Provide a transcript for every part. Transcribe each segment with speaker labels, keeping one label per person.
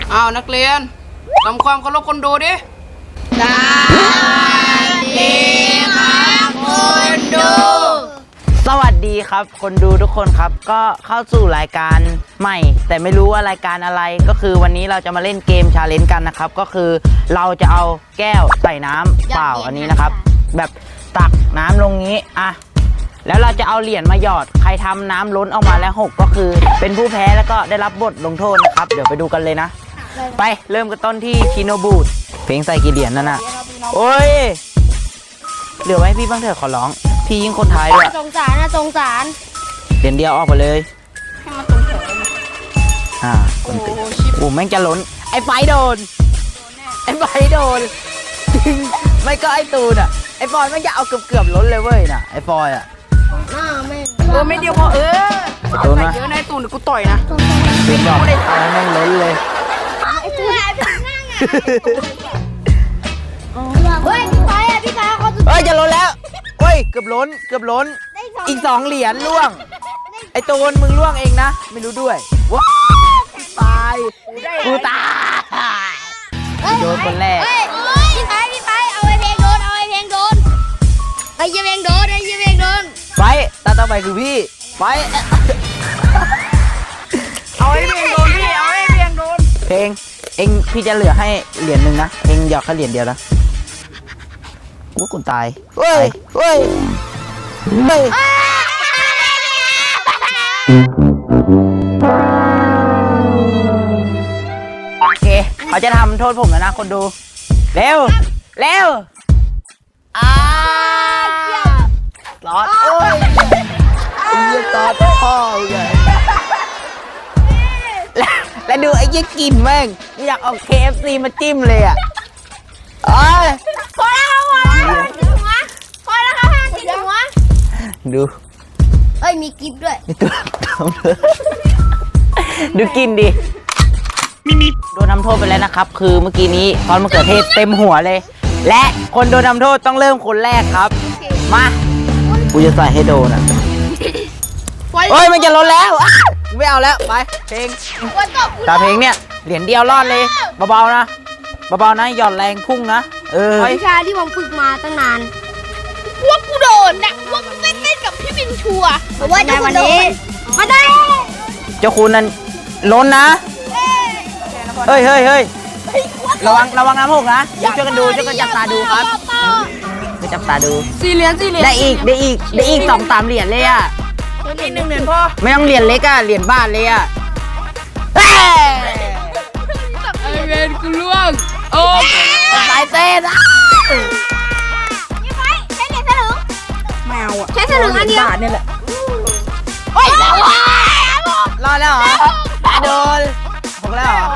Speaker 1: อ้าวนักเรียนทำความเคารพคนดูดิ
Speaker 2: สวัสดีครับคนดู
Speaker 3: สวัสดีครับคนดูทุกคนครับก็เข้าสู่รายการใหม่แต่ไม่รู้ว่ารายการอะไรก็คือวันนี้เราจะมาเล่นเกมชาเลนจ์กันนะครับก็คือเราจะเอาแก้วใส่น้ำเปล่าอันนี้นะครับแบบตักน้ำลงนี้อ่ะแล้วเราจะเอาเหรียญมาหยอดใครทำน้ำล้นออกมาแล้วหกก็คือเป็นผู้แพ้แล้วก็ได้รับบทลงโทษนะครับเดี๋ยวไปดูกันเลยนะไปเริ่มกันต้นที่ชิโนบูดเพลงใส่กี่เหรียญนั่นน่ะโอ้ยเหลือไว้ให้พี่บ้างเถอะขอร้องพี่ยิงคนท้ายด้วย
Speaker 2: สงสารนะสงสาร
Speaker 3: เหรียญเดียวออกไปเลย
Speaker 1: ให้มันตรงแถวเลย
Speaker 3: คนติดโอ้แม่งจะล้นไอ้ไฟโดนไอ้ไฟโดนจริงไม่ก็ไอ้ตูนอ่ะไอ้ฟอยไม่จะเอาเกือบล้นเลยเว้ยน่ะไอ้ฟอยอ่ะ
Speaker 1: ไม่เดียวพอ
Speaker 3: ไอ้ตูนนะ
Speaker 1: เยอะนะไอ้ตูนเดี๋ยวกูต่อยนะ
Speaker 3: พี่บอกเอาแม่งล้นเลย
Speaker 2: เฮ้ยพี่ชายเขา
Speaker 3: เฮ้ยจะล้นแล้วเฮ้ยเกือบล้นอีก2เหรียญล่วงไอ้ตูนมึงล่วงเองนะไม่รู้ด้วยว้าตายกูตายโดนคนแรก
Speaker 2: พี่ไปเอาไอ้เพลงโดนไอ้เพลงโดน
Speaker 3: ไปตาต่อไปคือพี่ไป
Speaker 1: เอาให้เพียงโดนพี่เอาให้เพียงโดน
Speaker 3: เพลงเองพี่จะเหลือให้เหรียญหนึ่งนะเองหยอกแค่เหรียญเดียวนะว่าคุณตายเฮ้ยโอเคเขาจะทำโทษผมแล้วนะคนดูเร็วตอดโอ้ยยี่ตอดพ่อเลยแล้วดูไอ้ยี่กินแม่งอยากเอา KFC มาจิ้มเลยอ่ะ
Speaker 2: พอแล้วครับติดหัว
Speaker 3: ดู
Speaker 2: มีกิฟต์ด้วย
Speaker 3: ดูกินดิโดนทำโทษไปแล้วนะครับคือเมื่อกี้นี้ซอสมะเขือเทศเต็มหัวเลยและคนโดนทำโทษต้องเริ่มคนแรกครับมากูจะใส่ให้โดนอ่ะเฮ้ยมันจะล้นแล้วไม่เอาแล้วไปเพลงตาเพลงเนี่ยเหรียญเดียวรอดเลยเบาๆนะหย่อนแรงพุ่งนะ
Speaker 2: วิชาที่ผมฝึกมาตั้งนานว่ากูโดนนะว่ากูเต้นกับพี่บินชัวเพราะว่าในวันนี้มาได้
Speaker 3: เจ้าคุณนั้นล้นนะเฮ้ยระวังน้ำหกนะช่วยกันจับตาดูครับจับตาดู
Speaker 1: 4 เหรียญ
Speaker 3: ได้อีก2-3 เหรียญเลยอ่ะ
Speaker 1: 1 เหรียญพ่อ
Speaker 3: ไม่ต้องเหรียญเล็กอ่ะเหรียญบาทเลยอ่ะ
Speaker 1: ไอเวนกูล่วงโอ้
Speaker 3: สายเต้น
Speaker 2: นี่ไฟใช้เหรียญสลึง
Speaker 1: ไม่เอาอ่ะ
Speaker 2: ใช้สลึงอันเดียว
Speaker 1: บาทนี่แหละ
Speaker 3: รอดแล้วเหรอโดน6แล้วเหรอ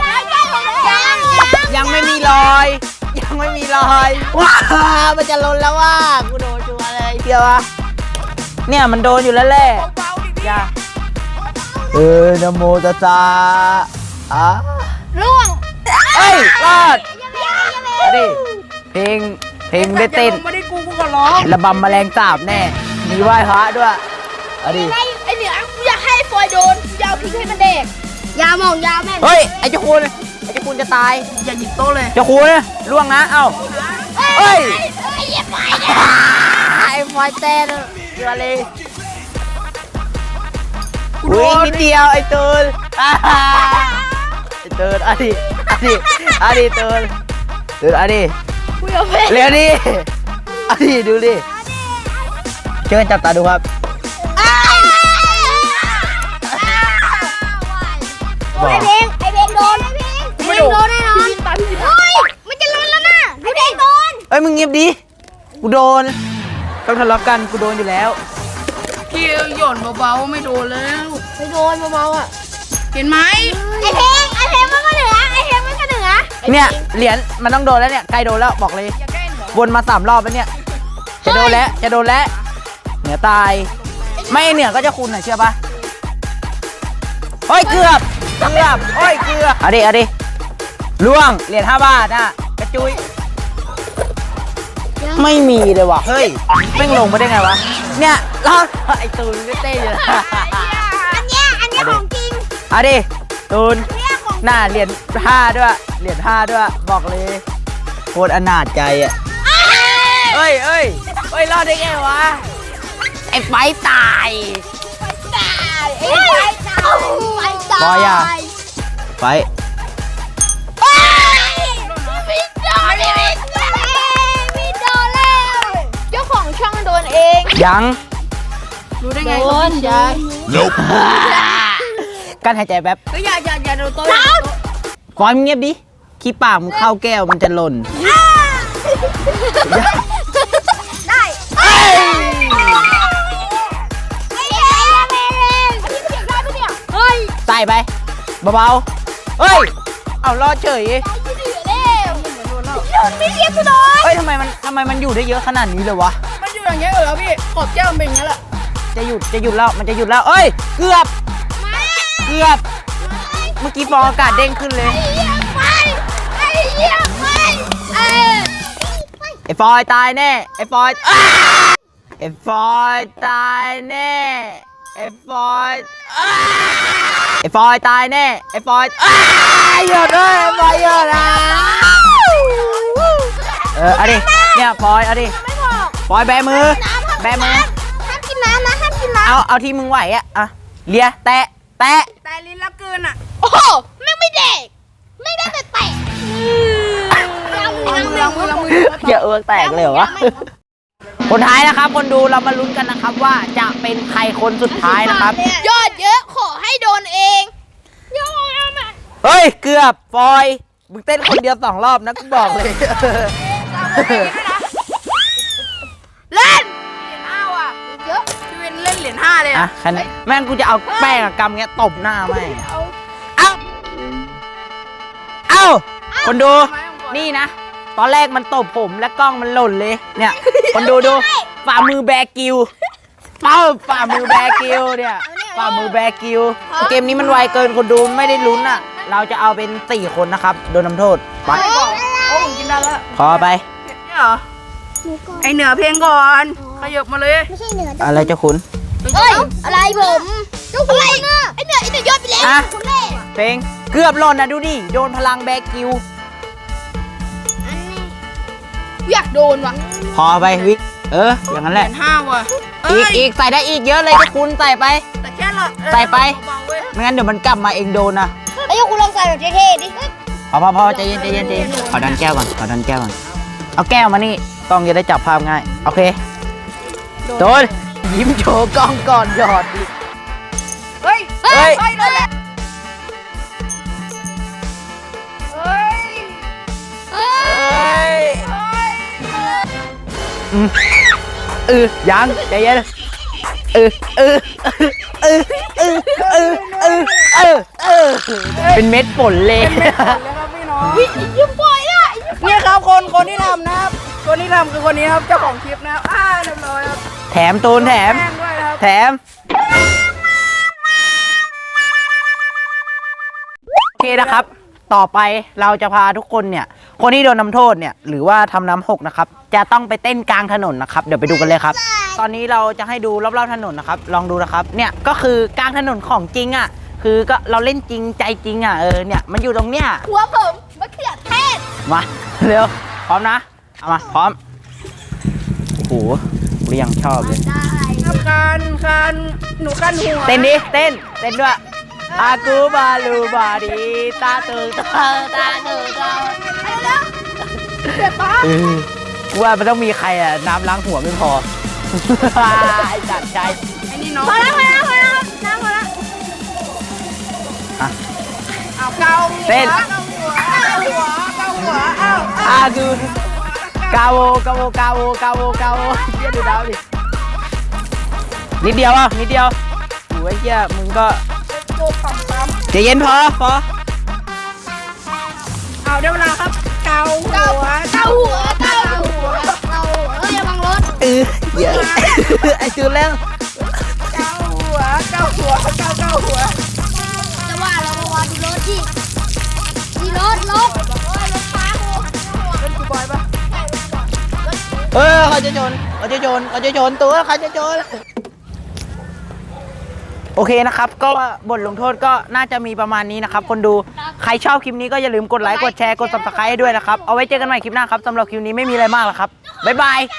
Speaker 3: ยังไม่มีรอยว้ามันจะล้นแล้วว่ากูโดนชัวร์เลยเดียวอะเนี่ยมันโดนอยู่แล้วแหละอย่านะโมตัสสะ
Speaker 2: ร่วง
Speaker 3: รอดดิเพลงได้เต้น
Speaker 1: ไม่ได้กูก็ร้อง
Speaker 3: ระบำแมลงสาบแน่มีไหว้พระด้วยดิ
Speaker 2: ไอเหนือกูอยากให้ฟอยโดนยาวพิงให้มันเด็กยาวแม่
Speaker 3: เฮ้ยไอเจ้าคุณจะตาย
Speaker 1: อย่าหยิบโต๊ะเลย
Speaker 3: เจ้าคุณล่วงนะเอ้าเฮ้ยไอ้ไฟเต้นเรือเลยวิ่งนิดเดียวไอ้ตูนตูนดิตูนเร็วดิดูดิเชิญจับตาดูครับ
Speaker 2: ไอเพลงโดนแน่นอนมันจะล้นแล้วนะไอเพลงโดน
Speaker 3: มึงเงียบดิกูโดนต้องทะเลาะกันกูโดนอยู่แล้ว
Speaker 1: พี่หย่อนเบาๆไม่โดนแล้ว
Speaker 2: ไม่โดนเบาๆอ่ะ
Speaker 1: เห็นไหม
Speaker 2: ไอเพลงมันก็เหนือ
Speaker 3: เนี่ยเหรียญมันต้องโดนแล้วเนี่ยใกล้โดนแล้วบอกเลยวนมา3 รอบแล้วเนี่ยจะโดนแล้วเหนือตายไม่เหนือก็จะคุณหน่อยเชื่อปะเฮ้ยเกือบเอาดิล่วงเหรียญ5 บาทน่ะกระจุยไม่มีเลยว่ะเฮ้ยแม่งลงมาได้ไงวะเนี่ยรอดไอตูนไม่เต้อยู่
Speaker 2: อันเนี้ยของจริง
Speaker 3: เอาดิตูนหน้าเหรียญ5ด้วยเหรียญ5ด้วยบอกเลยโคตรอนาถใจอ่ะเอ้ยรอดได้ไงวะไอ้ไฟตาย
Speaker 2: ตายไอ้ไฟตายไฟตาย
Speaker 3: บอยอะไฟ
Speaker 2: พี่โดนพี่โดนแล้วเจ้าของช่องโดนเอง
Speaker 3: ยัง
Speaker 1: รู้ได้ไงครับพี่ชาย
Speaker 3: กั้นหายใจแป๊บ
Speaker 1: ก็อย่าโดนโต๊ะ
Speaker 3: ฟอยมึงเงียบดิขี้ปากมึงเข้าแก้วมันจะหล่น
Speaker 2: ได้
Speaker 3: เอ้ย
Speaker 2: ไอ้เหี้ยเมเรนพี่เสียงได้ปะเนี่ยเฮ้ย
Speaker 3: ใส่ไปเบาๆเฮ้ยเอารอดเฉย
Speaker 2: พี่เหลือแล้วโดนไม่เรียกกูโดน
Speaker 3: เฮ้ยทำไมมันอยู่ได้เยอะขนาดนี้เลยวะ
Speaker 1: มันอยู่อย่างเงี้ยเหรอพี่ขอบแก้วมันเป็นอย่างเงี้ยแหละ
Speaker 3: จะหยุดแล้วมันจะหยุดแล้วเอ้ยเกือบเมื่อกี้ฟองอากาศเด้งขึ้นเลย
Speaker 2: ไอ้เหี้ยไปเอ้ย
Speaker 3: ไอ้ฟอยตายแน่ไอ้ฟอยไอ้ฟอยตายแน่ไอ้ฟอยไอ้ฟอยตายแน่ไอ้ฟอยหยุดเลยไอ้ฟอยหยุดอ่ะเอาดิเนี่ยฟอยเอาดิ
Speaker 2: ไม่บอก
Speaker 3: ฟอยแบมือแบมือ
Speaker 2: ห้ามกินน้ำนะห้ามกินน้ำ
Speaker 3: เอาที่มึงไหวอ่ะเลียแตะ
Speaker 1: แต่ลิ้นละเกินอ่ะ
Speaker 2: โอ้โหไม่เด็กไม่ได้แต่แตะ
Speaker 1: เอามือ
Speaker 3: อย่าเอือกแตกเลยเหรอวะคนท้ายนะครับคนดูเรามาลุ้นกันนะครับว่าจะเป็นใครคนสุดท้ายนะครับ
Speaker 2: ยอดเยอะขอให้โดนเองยอดอ่ะ
Speaker 3: เฮ้ยเกือบฟอยมึงเต้นคนเดียว2 รอบนะกูบอกเลย
Speaker 1: เล่นเหรียญ5ว่ะ
Speaker 2: เยอะ
Speaker 1: พี่เวนเล่นเหรียญ5เลย
Speaker 3: อ่ะ
Speaker 1: อ่ะ
Speaker 3: คันแม่งกูจะเอาแป้งกับกำเงี้ยตบหน้าแม่งเอ้าคนดูนี่นะตอนแรกมันตบผมและกล้องมันหล่นเลยเนี่ยคนดูฝ่ามือแบกิวฝ่ามือแบกิวเนี่ยฝ่ามือแบกิวเกมนี้มันไวเกินคนดูไม่ได้ลุ้นอ่ะเราจะเอาเป็น4 คนนะครับโดนทำโทษไป
Speaker 1: โอ้ผมกินได้แล้ว
Speaker 3: พอไป
Speaker 1: นี่เหรอไอเหนือเพลงก่อนขยับมาเลย
Speaker 2: ไม่ใช่เหนือ
Speaker 3: อะไรเจ้าคุณ
Speaker 2: เฮ้ยอะไรผมเจ้าคุณไอ้เหนือยอดไปแล้ว
Speaker 3: อ่ะ
Speaker 2: คุณแม่
Speaker 3: เพลงเกือบหล่นนะดูดิโดนพลังแบกิว
Speaker 2: อยากโดนว่ะ
Speaker 3: พอไปวิอย่างนั้น
Speaker 1: เห
Speaker 3: แห
Speaker 1: รี
Speaker 3: ละ
Speaker 1: ยญ5ว่ะ
Speaker 3: อีกใส่ได้อีกเยอะเลยเจ้าคุณใส่ไป
Speaker 1: แต่แค่ละ
Speaker 3: ใส่ไป
Speaker 1: เบาๆเว้ย
Speaker 3: ไม่งั้นเดี๋ยวมันกลับมาเองโดนนะ
Speaker 2: แล้วเจ้าคุณลองใส่แบบเท่ๆดิ
Speaker 3: พอใจเย็นขอดันแก้วก่อนเอาแก้วมานี่ต้องจะได้จับภาพง่ายโอเคโดนยิ้มโชว์กล้องก่อนหยอดดิ
Speaker 1: เฮ้ย
Speaker 3: เฮ้ย
Speaker 1: โดนแล้วเฮ้ย
Speaker 3: ยังใจเย็นเป็นเม็ดฝนเลย
Speaker 1: แล้วครับพี่น้อง
Speaker 2: ยิ้มป่วยอ่ะ
Speaker 1: นี่ครับคนที่ทำนะครับคนที่ทำคือคนนี้ครับเจ้าของคลิปนะครับเรียบร้อยครับ
Speaker 3: แถมตูนแถม
Speaker 1: แป้งด้วยนะครับ
Speaker 3: แถมโอเคนะครับ ต่อไปเราจะพาทุกคนเนี่ยคนที่โดนทำโทษเนี่ยหรือว่าทำน้ำหกนะครับจะต้องไปเต้นกลางถนนนะครับเดี๋ยวไปดูกันเลยครับ ตอนนี้เราจะให้ดูรอบๆถนนนะครับลองดูนะครับเนี่ยก็คือกลางถนนของจริงอ่ะคือก็เราเล่นจริงใจจริงอ่ะเนี่ยมันอยู่ตรงเนี้ย
Speaker 2: หัวผมมะเขือเทศ
Speaker 3: มาเร็วพร้อมนะเอามาพร้อมโอ้โหเรียงชอบเลย
Speaker 2: ได้
Speaker 1: ครับการหนูกันหัว
Speaker 3: เต้นดิเต้นด้วยอากูบาลูบาดีตาตึงตาตึง
Speaker 2: เจ็บปะ
Speaker 3: ว่ามันต้องมีใครอ่ะน้ำล้างหัวไม่พอ ไอ้จัดใจ
Speaker 1: ไอ้นี่น้อง
Speaker 2: พอแล้วน้ำพอแล้ว
Speaker 3: อ่ะ
Speaker 1: เอาเกา
Speaker 3: เต้น
Speaker 1: เกาหัวเอา
Speaker 3: อากูกาโวเยี่ยดูดาวดินิดเดียวอ่ะนิดเดียวโอ้ยเยี่ยมึงก็
Speaker 1: โกปั๊ม
Speaker 3: ใจเย็นพอ
Speaker 1: เอาได้เวลาครับเกาหัว
Speaker 2: เกาหัวอย่าบังรถ
Speaker 3: เยอะ ไอ้จูนแล้ว
Speaker 1: เกาหัวเกาหัว
Speaker 2: จะว่าเรามาวาดูรถดิดีรถรถฟ้า
Speaker 1: เป็นกูบอยปะ
Speaker 3: เขาจะชนตัวเขาจะชนโอเคนะครับก็บทลงโทษก็น่าจะมีประมาณนี้นะครับคนดูใครชอบคลิปนี้ก็อย่าลืมกดไลค์กดแชร์กด subscribe ให้ด้วยนะครับเอาไว้เจอกันใหม่คลิปหน้าครับสำหรับคลิปนี้ไม่มีอะไรมากหรอกครับบ๊ายบาย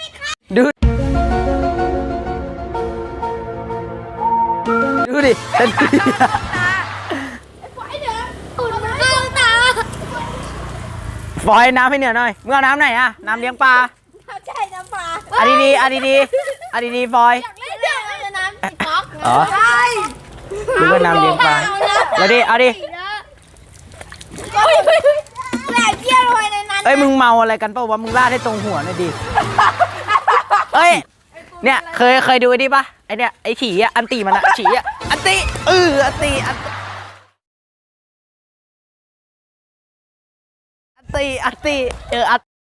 Speaker 3: ดูดิเป็นฟอยน้ำให้เหนือหน่อยมึงเอาน้ำไหนอะน้ำเลี้ยงปลา
Speaker 2: ใช่น้ำปลา
Speaker 3: อะดีฟอย
Speaker 2: เล่นเรื่องอะไรน้ำก๊อก
Speaker 3: อ๋อ
Speaker 2: ใช่
Speaker 3: ดูว่าน้ำเลี้ยงปลาแล้วดิเอาดิ
Speaker 2: แหลกเยี่ยลอยในนั้น
Speaker 3: เอ้ยมึงเมาอะไรกันเปล่าวะมึงลาดให้ตรงหัวหน่อยดิเอ้ยเนี่ยเคยดูไอ้นี่ปะไอเนี่ยไอฉี่อ่ะอันตีมันอะฉี่อ่ะอันตีอันตีอันตี